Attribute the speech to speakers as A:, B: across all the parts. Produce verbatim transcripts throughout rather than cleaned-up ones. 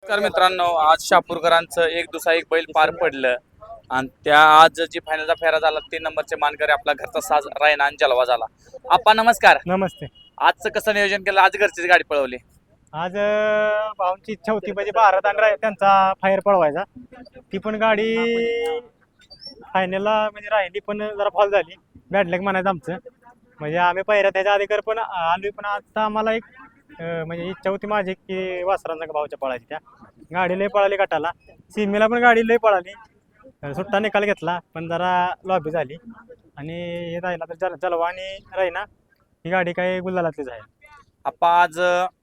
A: नमस्कार मित्रांनो, आज शापूरकरांचं एक दुसरा एक बैल पार पडलं आणि त्या आज जी फायनलचा फेरा झाला तीन नंबरचे मानकरी आपला घरचा साज रायना आणि जलवा झाला. आपा नमस्कार.
B: नमस्ते.
A: आजचं कसं नियोजन केलं? आज घरचीच गाडी पळवली.
B: आज अं, भाऊंची इच्छा होती म्हणजे भारत आणि राय- त्यांचा फायर पळवायचा. ती पण गाडी फायनलला म्हणजे राहिली पण जरा फॉल झाली. बॅड लक म्हणायचं आमचं. म्हणजे आम्ही पहिऱ्या त्याच्या अधिकार पण आलोय पण आता आम्हाला एक अं, म्हणजे इच्छा होती माझी की वासरांचा भाऊच्या पळायची. त्या गाडी लय पळाली गटाला, सीमेला पण गाडी लय पळाली. अं, सुट्टा निकाल घेतला पण जरा लॉबी झाली आणि हे राहिला तर जल जलवा आणि राहिना ही गाडी काही गुलालातलीच आहे.
A: आपा आज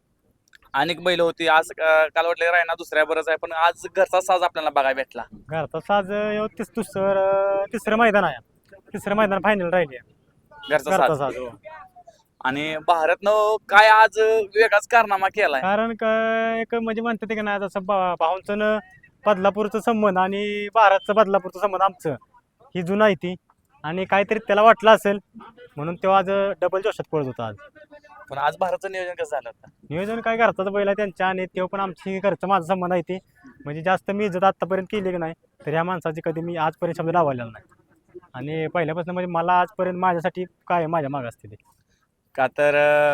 A: अनेक बैल होती. आज अं, काल वाटलं रायना दुसऱ्या बरंच आहे, पण आज घरचा साज आपल्याला बघायला भेटला.
B: घरचा साज ह्यो तीस दुसरं तिसरं मैदान आहे. तिसरं मैदान फायनल राहिली आहे.
A: घरचा
B: घरचा
A: साज
B: साज हो.
A: आणि भारतनं काय आज वेगळाच कारनामा केलाय.
B: कारण काय एक म्हणजे म्हणतात की नाही जसं भा- भाऊंचं न बदलापूरचं संबंध आणि भारतचं बदलापूरचं संबंध आमचं ही जुनं आहे ती आणि काहीतरी त्याला वाटलं असेल म्हणून तेव्हा आज डबल जोशात पळत होता. आज
A: पण आज भारतचं नियोजन कसं झालं होतं?
B: नियोजन काय घरचाच बैल आहे त्यांच्या आणि तेव्हा पण आमची घरचं माझा संबंध आहे ते म्हणजे जास्त मी इज्जत आतापर्यंत केली की नाही तर ह्या माणसाची कधी मी आजपर्यंत शब्द लावलेला नाही आणि पहिल्यापासून म्हणजे मला आजपर्यंत माझ्यासाठी काय माझ्या माग असते ते.
A: का तर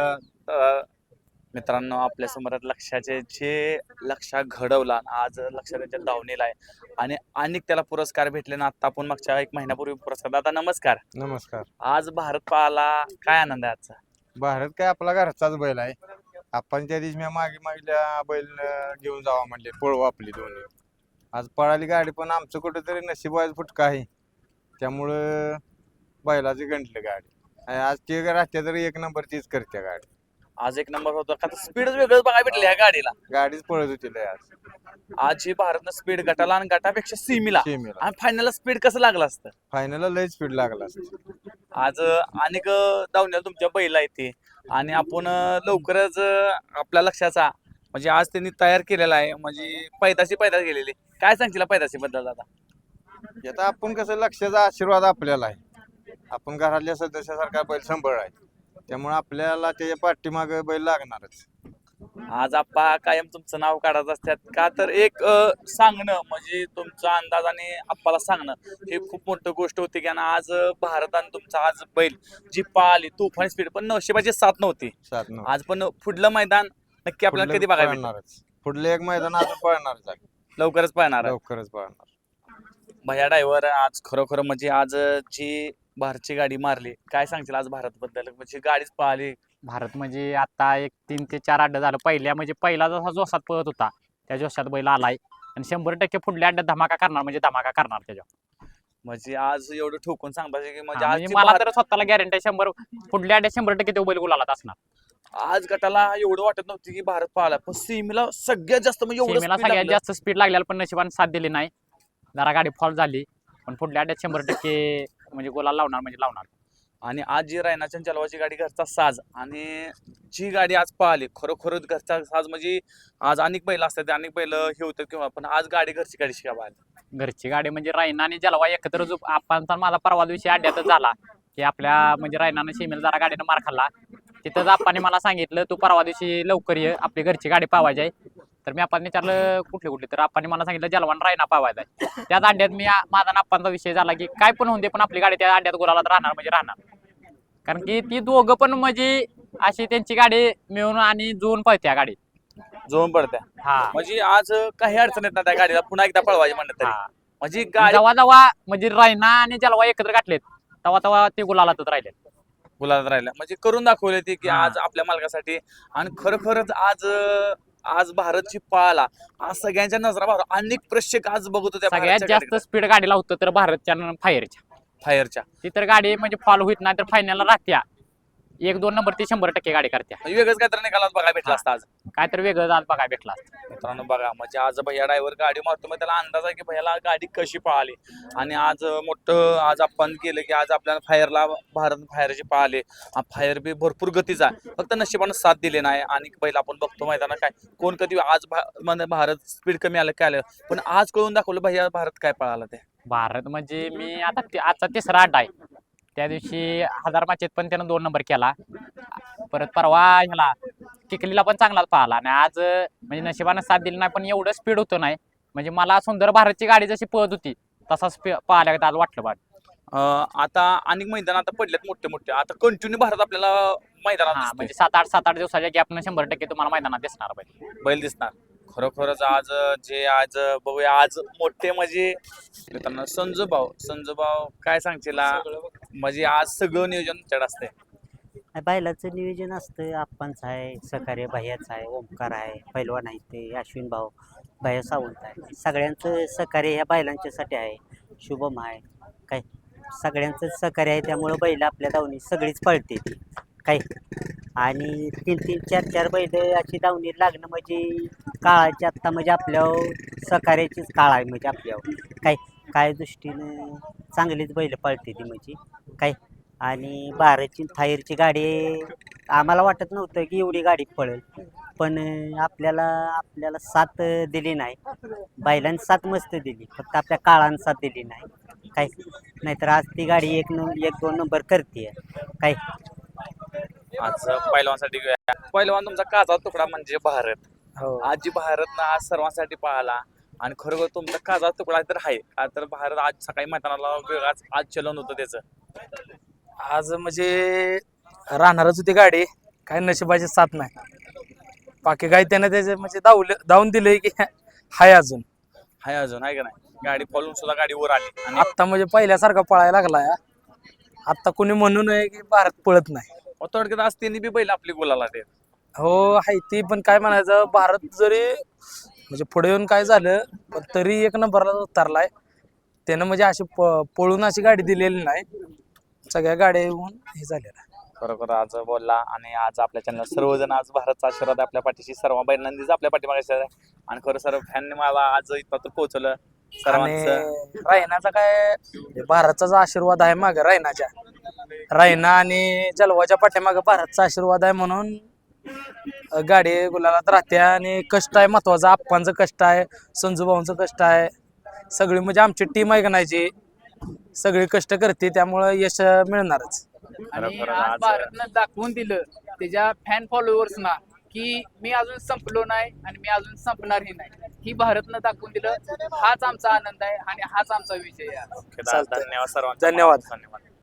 A: अं, मित्रांनो आपल्या समोर लक्षाचे जे लक्षा घडवला आज लक्ष त्यांच्या दावणीला आहे आणि अनेक त्याला पुरस्कार भेटले ना. आता आपण मागच्या एक महिन्यापूर्वी पुरस्कार. दादा नमस्कार.
C: नमस्कार.
A: आज भारत पाहाला काय आनंद आहे आजचा?
C: भारत काय आपला घरचाच बैल आहे. आपण त्या दिवशी मी मागे मागल्या बैल अं, घेऊन जावा म्हणले पळवा आपली दोन्ही. आज पळाली गाडी पण आमचं कुठेतरी नशिबाज फुटका आहे त्यामुळं बैलाची गंटली गाडी आणि आज ते राहत्या तरी एक नंबर तीच करते गाडी.
A: आज एक नंबर होता का स्पीडच वेगळंच बघायला भेटलं या गाडीला.
C: गाडीच पळत होती लय आज
A: आज ही भारतनं स्पीड गटाला आणि गटापेक्षा सीमीला
C: सेमीला
A: आणि फायनलला स्पीड कसं लागलं असतं.
C: फायनलला लय स्पीड लागला असतं.
A: आज अनेक दावण्याला तुमच्या बैल आहे ते आणि आपण अं, लवकरच अं, आपल्या लक्षाचा म्हणजे आज त्यांनी तयार केलेला आहे म्हणजे पैदाशी पैदास गेलेली. काय सांगशील पैदाशी बद्दल दादा?
C: आता आपण कसं लक्षाचा आशीर्वाद आपल्याला आहे. आपण घरातल्या सदस्यासारखा बैल सांभाळ आहे त्यामुळे आपल्याला त्याच्या पाठीमागे बैल लागणारच.
A: आज आप्पा कायम तुमचं नाव काढत असतात का तर एक अं, सांगणं म्हणजे तुमचा अंदाज आणि आप्पाला सांगणं हे खूप मोठी गोष्ट होती की ना. आज भारत आणि तुमचा आज बैल जी पाहिली तुफान स्पीड पण नशिबाची साथ नव्हती.
C: सात नऊ
A: आज पण पुढलं मैदान नक्की आपल्याला कधी बघायला भेटेल?
C: पळणारच. पुढलं एक मैदान आता पळणारच आहे.
A: लवकरच पाहणार आहे.
C: लवकरच पळणार.
A: भैया ड्रायव्हर आज खरोखर म्हणजे आज जी भारतची गाडी मारली काय सांगशील आज भारत बद्दल म्हणजे गाडीच पाहिली.
D: भारत म्हणजे आता एक तीन ते चार अड्डा झालं. पहिल्या म्हणजे पहिला जसा जोशात पळत होता त्या जोशात बैल आलाय आणि शंभर टक्के पुढल्या अड्ड्यात धमाका करणार म्हणजे धमाका करणार त्याच्या.
A: म्हणजे आज एवढं ठोकून सांगता की म्हणजे
D: हा,
A: आज
D: म्हणजे
A: जी
D: मला
A: भारत-
D: तर स्वतःला गॅरंटी शंभर पुढल्या अड्ड्यात शंभर टक्के तो बैल गुलालात असणार.
A: आज गटाला एवढं वाटत नव्हतं की भारत पाहिला पण सीमेला सगळ्यात जास्त म्हणजे एवढं
D: सीमेला
A: speed
D: सगळ्यात
A: लागलं.
D: जास्त स्पीड लागलेला पण नशिबाने साथ दिली नाही. जरा गाडी फॉल झाली पण पुढल्या अड्ड्यात शंभर टक्के म्हणजे गुलाल लावणार म्हणजे लावणार.
A: आणि आज जी रायनाच्या चलवाची गाडी घरचा साज आणि जी गाडी आज पाहिली खरोखरच घरचा साज म्हणजे आज अनेक बैल असतात अनेक बैल हे होतं किंवा पण आज गाडी घरची गाडी शिका पाहिली.
D: घरची गाडी म्हणजे रायना आणि जलवा एकत्र जो आपण तर माझा परवा दिवशी अड्ड्यातच झाला की आपल्या म्हणजे रायनानं सीमेला जरा गाडीनं मार खाल्ला. तिथंच आप्पाने मला सांगितलं तू परवा दिवशी लवकर ये आपली घरची गाडी पावायची आहे. तर मी आपण विचारलं कुठली कुठली तर आप्पाने मला सांगितलं जलवान रायना पावायचा आहे. त्याच अड्ड्यात मी आ- माझा आणि आप्पांचा विषय झाला की काय पण होऊन दे पण आपली गाडी त्या अड्ड्यात गुलालात राहणार म्हणजे राहणार. कारण की ती दोघं पण म्हणजे अशी त्यांची गाडी मिळून आणि जुळून पळत्या गाडी.
A: जोम पडत्या
D: हा
A: म्हणजे आज काही अडचण येत नाही त्या गाडीला पुन्हा एकदा पळवायची म्हणलं तरी
D: हा.
A: म्हणजे गाडी
D: जेव्हा जेव्हा म्हणजे रायना आणि जलवा एकत्र गाठलेत तेव्हा तेव्हा ते गुलालातच राहिले.
A: गुलाबात राहिल्या म्हणजे करून दाखवले ते की
D: हा.
A: आज आपल्या मालकासाठी आणि खरोखरच आज आज भारतची पळाला आज सगळ्यांच्या नजरा भार अनेक प्रेक्षक आज बघत होते
D: सगळ्यात जास्त स्पीड गाडीला होतं तर भारतच्या फायरच्या.
A: फायरच्या
D: ती तर गाडी म्हणजे फॉल होत नाही तर फायनलला राहत्या एक दोन नंबर ती शंभर टक्के गाडी करत्या.
A: म्हणजे वेगळंच काहीतरी निकालात बघायला भेटला
D: हा.
A: असता आज.
D: काय तर वेगळं आज बघायला भेटला असतं.
A: मित्रांनो बघा म्हणजे आज भैया ड्रायव्हर गाडी मारतो मग त्याला अंदाज आहे की भैयाला गाडी कशी पळाली आणि आज मोठं आज आपण केलं की आज आपल्याला फायरला भारत फायरची पळाले. फायर बी भरपूर गतीचा आहे फक्त नशिबानं साथ दिले नाही आणि पहिला आपण बघतो मैदानात काय कोण कधी आज भा- म्हणजे भारत स्पीड कमी आलं काय आलं पण आज कळून दाखवलं भैया भारत काय पळाला ते.
D: भारत म्हणजे मी आता ते- आजचा तिसरा अड्डा आहे. त्या दिवशी हजार माचेत पण त्यानं दोन नंबर केला. परत परवा ह्याला चिखलीला पण चांगलाच पाहिला आणि आज अं, म्हणजे नशिबानं साथ दिली नाही पण एवढं स्पीड होतं नाही म्हणजे मला सुंदर भारतची गाडी जशी पळत होती तसा स्पीड पाहिल्या आज वाटलं बा
A: अं, आता अनेक मैदान आता पडलेत मोठे मोठे आता कंटिन्यू भारत आपल्याला मैदानात
D: हा
A: दिसतोय.
D: म्हणजे सात आठ सात आठ दिवसाच्या गॅपनं शंभर टक्के तुम्हाला मैदानात दिसणार पाहिजे
A: बैल दिसणार खरोखरच आज जे आज बघूया आज मोठे म्हणजे मित्रांनो संजू भाऊ संजू भाऊ काय सांगशील आ? म्हणजे आज सगळं नियोजन तुमच्याकडे असतंय.
E: बैलाचं नियोजन असतं आप्पांचं आहे सहकार्य भैयाचं आहे ओमकार आहे पैलवान आहे ते अश्विन भाऊ भैया सावंत आहे सगळ्यांचं सहकार्य ह्या बैलांच्यासाठी आहे शुभम आहे काय सगळ्यांचं सहकार्य आहे त्यामुळं बैल आपल्या दावणी सगळीच पळते ती काय आणि तीन तीन चार चार बैल अशी दावणी लागणं म्हणजे काळाची आत्ता म्हणजे आपल्यावर सहकार्याचीच काळ आहे म्हणजे आपल्यावर काय काय दृष्टीनं चांगलीच बैल पळते ती म्हणजे काय आणि बाराची थायरची गाडी आम्हाला वाटत नव्हतं की एवढी गाडी पळेल पण आपल्याला आपल्याला साथ दिली नाही बैलांनी साथ मस्त दिली फक्त आपल्या काळानं साथ दिली नाही काय नाहीतर आज ती गाडी एक न एक दोन नंबर करते काय
A: आज पैलवानसाठी घेऊया. पैलवान तुमचा काचा तुकडा म्हणजे भारत आज जी भारत ना आज सर्वांसाठी पाहिला आणि खरोखर तुमचा काचा तुकडा तर आहे का तर भारत आज सकाळी मैदानाला वेगळाच आज चलन होतं त्याचं.
F: आज म्हणजे राहणारच होती गाडी काय नशिबाची साथ नाही बाकी काय त्यानं त्याचे म्हणजे धावलं धावून दिलंय की हाय अजून
A: हाय अजून आहे का नाही गाडी पळून सुद्धा गाडी वर आली आणि
F: आत्ता म्हणजे पहिल्यासारखा पळायला लागलाय आत्ता कोणी म्हणू नये की भारत पळत नाही
A: थोडक्यात आज त्यांनी बी बैल आपली गोलाला देत.
F: हो आहे ती पण काय म्हणायचं भारत जरी म्हणजे पुढे येऊन काय झालं पण तरी एक नंबरला उतरलाय त्यानं म्हणजे अशी प- पळून अशी गाडी दिलेली नाही सगळ्या गाड्या येऊन हे झालेलं आहे.
A: खरोखर आज बोलला आणि आज आपल्या चॅनल सर्वजण आज भारतचा आशीर्वाद आहे आपल्या पाठीशी सर्व बैलांनीच आपल्या पाठीमागे आहे आणि खरं सर्व फॅनने मला आज इथं पोहोचवलं
F: आणि
A: सर्वांचं.
F: रायनाचा काय भारताचा आशीर्वाद आहे माग रायनाच्या रायना आणि जलवाच्या पाठीमागे भारतचा आशीर्वाद आहे म्हणून अ, गाडी गुलालात राहते आणि कष्ट आहे महत्वाचं आप्पांचं कष्ट आहे संजू भाऊंचं कष्ट आहे सगळी म्हणजे आमची टीम आहे का नाही जी सगळी कष्ट करते त्यामुळं यश मिळणारच.
G: आणि
A: खरोखर
G: आज
A: आज-
G: भारतनं दाखवून दिलं त्याच्या फॅन फॉलोअर्सना की मी अजून संपलो नाही आणि मी अजून संपणारही नाही ही भारतनं दाखवून दिलं हाच आमचा आनंद आहे आणि हाच आमचा विजय आहे आज.
A: धन्यवाद सर्वांचा
F: धन्यवाद.
A: धन्यवाद.